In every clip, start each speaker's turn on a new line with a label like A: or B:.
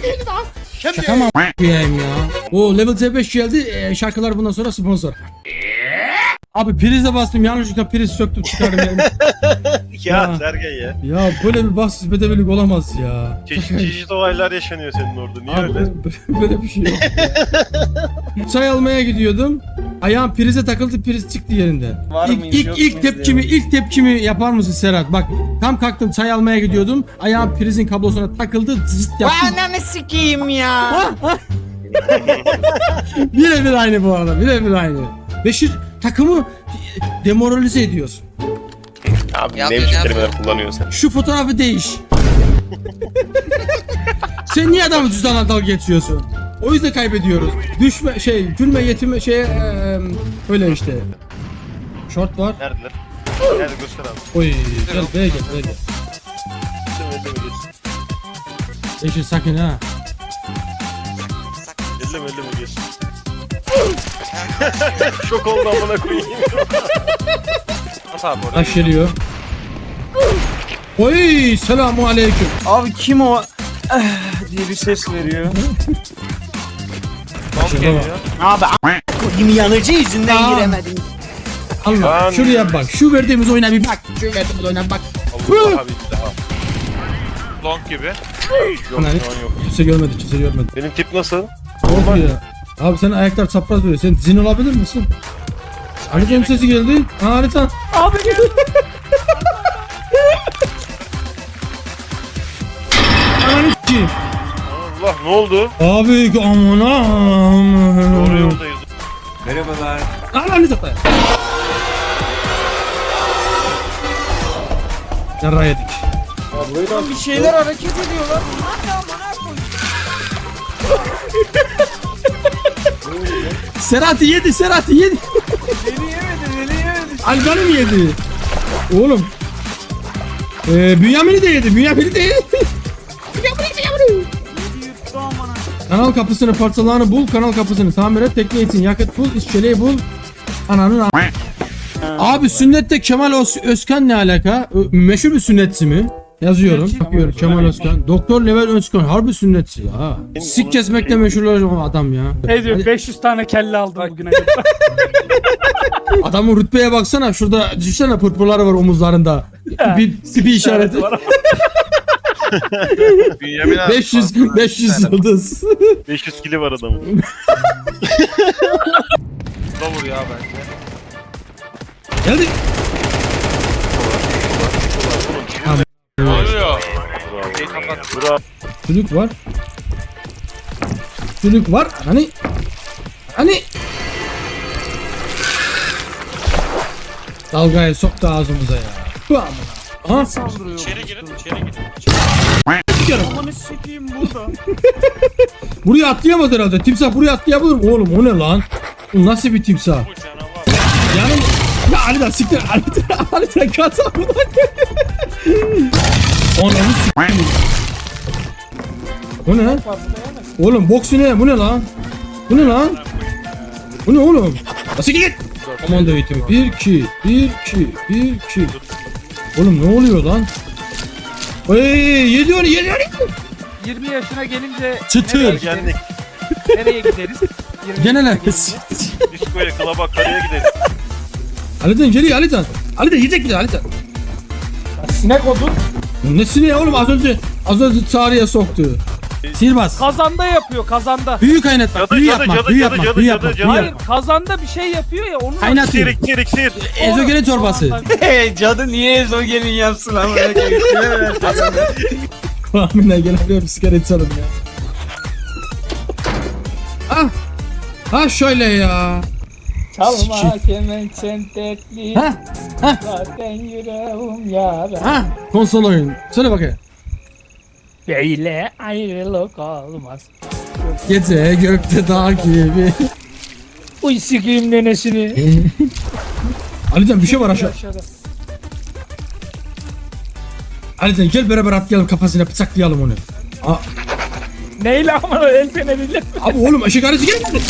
A: Şaka mı a**ayım ya? O level C5 geldi. Şarkılar bundan sonra sponsor. Abi prize bastım, yanlışlıkla priz söktüm çıkardım yani.
B: Ya Sergen ya.
A: Ya böyle bir bahtsız bedevilik olamaz ya.
B: Çeşitli olaylar yaşanıyor senin orada. Niye
A: Abi
B: öyle?
A: böyle bir şey yok. Çay almaya gidiyordum. Ayağım prize takıldı, priz çıktı yerinden.
C: Var mıyız, yok
A: İlk tepkimi yapar mısın Serhat? Bak tam kalktım çay almaya gidiyordum. Ayağım prizin kablosuna takıldı, zıt yaptı.
C: Ananı sikeyim ya.
A: Birebir aynı bu arada, birebir aynı. Beşir takımı demoralize ediyorsun.
B: Abi
D: Ya
B: ne
D: ben
B: biçim
D: yapmıyorum.
B: kelimeler kullanıyorsun sen?
A: Şu fotoğrafı değiş. Sen niye adamı cüzdanla dalga geçiyorsun? O yüzden kaybediyoruz. Düşme gülme yetinme öyle işte. Short var.
B: Neredeler? Nerede göster abi.
A: Oy gel B'ye gel.
B: Elleme geç.
A: Beşir sakın ha.
B: Elleme geç. Şok oldu amına koyayım.
E: At abi oraya.
A: Taş geliyor. Oy selamu aleyküm.
C: Abi kim o? Diye bir ses veriyor.
E: Bomb geliyor.
C: Abi a**ayım yanıcı yüzünden
A: Aa.
C: giremedim.
A: Allah
B: Lan.
A: şuraya bak. Şu verdiğimiz oyuna bir bak. Şu verdiğimiz oyuna bir bak.
B: Allah abi bir daha.
E: Long gibi.
B: Yok
A: Ana,
B: şu an yok.
A: Kimse görmedi, kimse görmedi.
B: Benim tip nasıl?
A: Oldu ya. Abi senin ayaklar çapraz duruyor. Sen zin olabilir misin? Haritanın sesi geldi. Ha harita. Abi geldi. sikeyim.
B: Allah ne oldu?
A: Abi amına.
B: Doğru yoldayız.
C: Merhabalar.
A: Ananı satayım. Yarra yedik.
C: Bir şeyler hareket ediyorlar.
A: Serhat'ı yedi, Serhat'ı yedi.
C: Beni yemedi.
A: Alcan'ı mı yedi? Oğlum. Bünyamin'i de yedi, Bünyamin'i de yedi.
C: Yuttu amına.
A: Kanal kapısını parçalarını bul, kanal kapısını tamir et, tekne için yakıt bul, işçeliği bul. Ananın Abi sünnette Kemal Özkan ne alaka? Meşhur bir sünnetçi mi? Yazıyorum. Bakıyorum Kemal Özkan. Doktor Level Özkan. Harbi sünnetçi ya. Sik kesmekle meşhur olan adam ya.
F: Ne diyor 500 tane kelle aldım bugüne kadar.
A: Adamın rütbeye baksana. Şurada düşünsene pırpırları var omuzlarında. Bir tipi işareti.
B: Bünyamin abi.
A: 500 yıldız.
B: 500 kili var adamın.
E: Da vur ya bence.
A: Geldi.
E: Ne oluyor?
B: Bravo.
A: Sülük var. Sülük var. Hani dalgayı soktu ağzımıza ya. Bu amına. Aha.
C: Saldırıyor.
B: İçeri girin, içeri girin.
C: Amanı sikeyim burada.
A: Buraya atlayamaz herhalde. Timsah buraya atlayabilir mi? Oğlum o ne lan? Bu nasıl bir timsah?
B: Bu canavar.
A: Yani ya Ali'den siktir. Ali'den kasa buradan. Ananı siktir. O ne? Oğlum boksu ne? Bu ne lan? Bu ne lan? Bu ne oğlum? Nasıl git? Aman da eğitim. 1 2 1 2 1 2. Oğlum ne oluyor lan? Yedi onu.
F: 20 yaşına gelince
A: Çıtır.
B: Ergenlik.
F: nereye gideriz? 20
A: Gene ne?
F: yaşına gelince.
B: Diskoya, klaba, karaya gidelim.
A: Ali'den geliyor Ali'den. Ali'den yiyecek bir de Ali'den.
F: Sinek odun.
A: Ne sineği oğlum az önce çağrıya soktu. Sihirbaz.
F: Kazanda yapıyor kazanda.
A: Büyü kaynatmak,
B: Cadı,
A: büyü
B: cadı,
A: yapmak,
B: cadı,
A: büyü
B: cadı,
A: yapmak,
B: cadı,
A: büyü
B: cadı,
A: yapmak,
B: cadı.
A: büyü
F: Hayır
A: yapmak.
F: kazanda bir şey yapıyor ya onu
A: Kaynatıyor.
B: İksir, iksir, iksir.
A: Ezogelin çorbası.
C: Hey cadı niye ezogelin yapsın ama?
A: Kulağımına gelen bir sigara içelim ya. Ah. Ha şöyle ya.
F: Çalma kemençen tekli.
A: Ha. Ha.
F: Zaten yüreğim yara.
A: Ha. Konsol oyun. Söyle bakayım.
F: Böyle ayrılık olmaz.
A: Gece gökte dağ gibi.
F: Uy sikiyim nenesini.
A: Alican bir şey var aşağı. Alican gel beraber atlayalım kafasına bıçaklayalım onu. Aa,
F: Neyle ama el feneriyla.
A: abi oğlum ışık aracı gelmedi.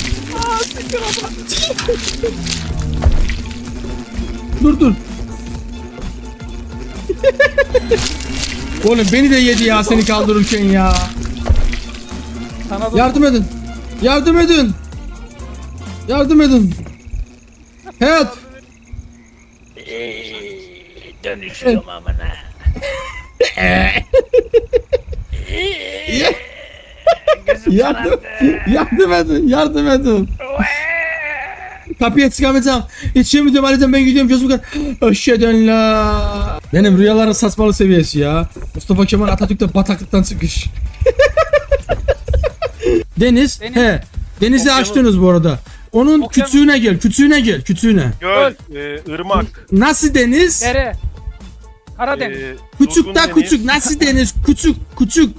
A: Dur. Oğlum beni de yedi ya seni kaldırırken ya.
F: Sana da
A: Yardım edin. Yardım edin. Yardım edin. Help.
F: dönüşüyorum amına.
A: Yardım edin. Yardım edin. Kapıya çıkamayacağım. Yetişemeyeceğim Ali'den ben gidiyorum gözüm kar. Öşşeden la. Benim rüyaların saçmalı seviyesi ya. Mustafa Kemal Atatürk'te bataklıktan çıkış. Deniz. He. Denizi açtınız bu arada. Onun küçüğüne gel. Küçüğüne.
B: Göl, ırmak.
A: Nasıl deniz?
F: Dere. Karadeniz.
A: Küçük
B: durgun
A: da
B: deniz,
A: küçük. Nasıl deniz? Küçük. Küçük.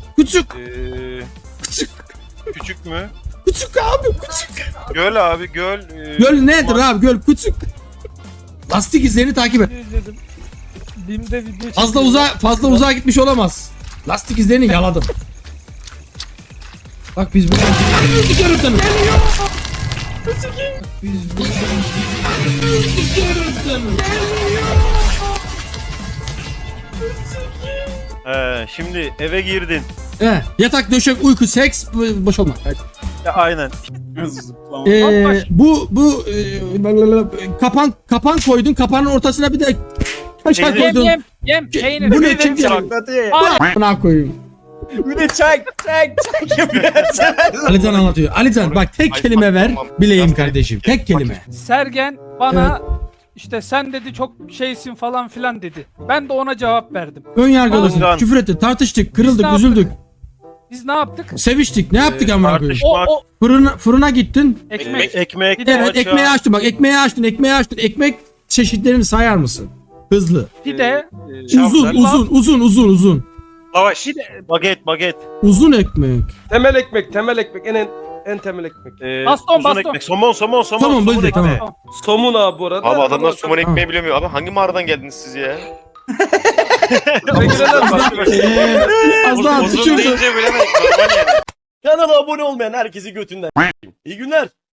B: Küçük mü?
A: Küçük abi küçük.
B: Göl abi, göl.
A: Göl nedir abi? Göl küçük. Lastik izlerini takip et.
F: İzledim. Bim'de video
A: Fazla uzağa gitmiş olamaz. Lastik izlerini yaladım. Bak biz buradan gidiyorum seni. Biz buradan gidiyorum seni.
B: Şimdi eve girdin.
A: Yatak, döşek, uyku, seks, boş olma. Hadi.
B: Ya, aynen.
A: Bu kapan koydun. Kapanın ortasına bir de kaşar koydun.
F: Yem peynir.
A: Bu ne kim diyor? Buna koyayım.
C: Bir de çay yapıyor.
A: Alican anlatıyor. Alican bak tek
B: Ay,
A: kelime ver.
B: tamam.
A: Bileyim kardeşim. Tek kelime.
F: Sergen bana işte sen dedi çok şeysin falan filan dedi. Ben de ona cevap verdim.
A: Ön yargılısın.
B: Alican.
A: Küfür ettin. Tartıştık.
F: Biz
A: Kırıldık.
F: ne
A: Üzüldük.
F: Biz ne yaptık?
A: Seviştik. Ne yaptık amına koyayım?
F: O
A: Fırına gittin.
F: ekmek.
A: Bir de evet, ekmeği açtın bak. Ekmeği açtın. Ekmek çeşitlerini sayar mısın? Hızlı.
F: Pide.
A: Uzun.
G: Lavaş. Baget.
A: Uzun ekmek.
H: Temel ekmek en temel ekmek.
F: Baston.
G: Somon.
A: Tamam bildik tamam.
H: Somun abi bu arada.
B: Abi adamlar somon
A: Tamam.
B: ekmeği bilemiyor. Abi hangi mağaradan geldiniz siz ya?
A: Az daha
G: Uzun
A: düşürdü.
G: deyince bilemedik. Normal yani.
H: Kanala abone olmayan herkesi götünden. İyi günler.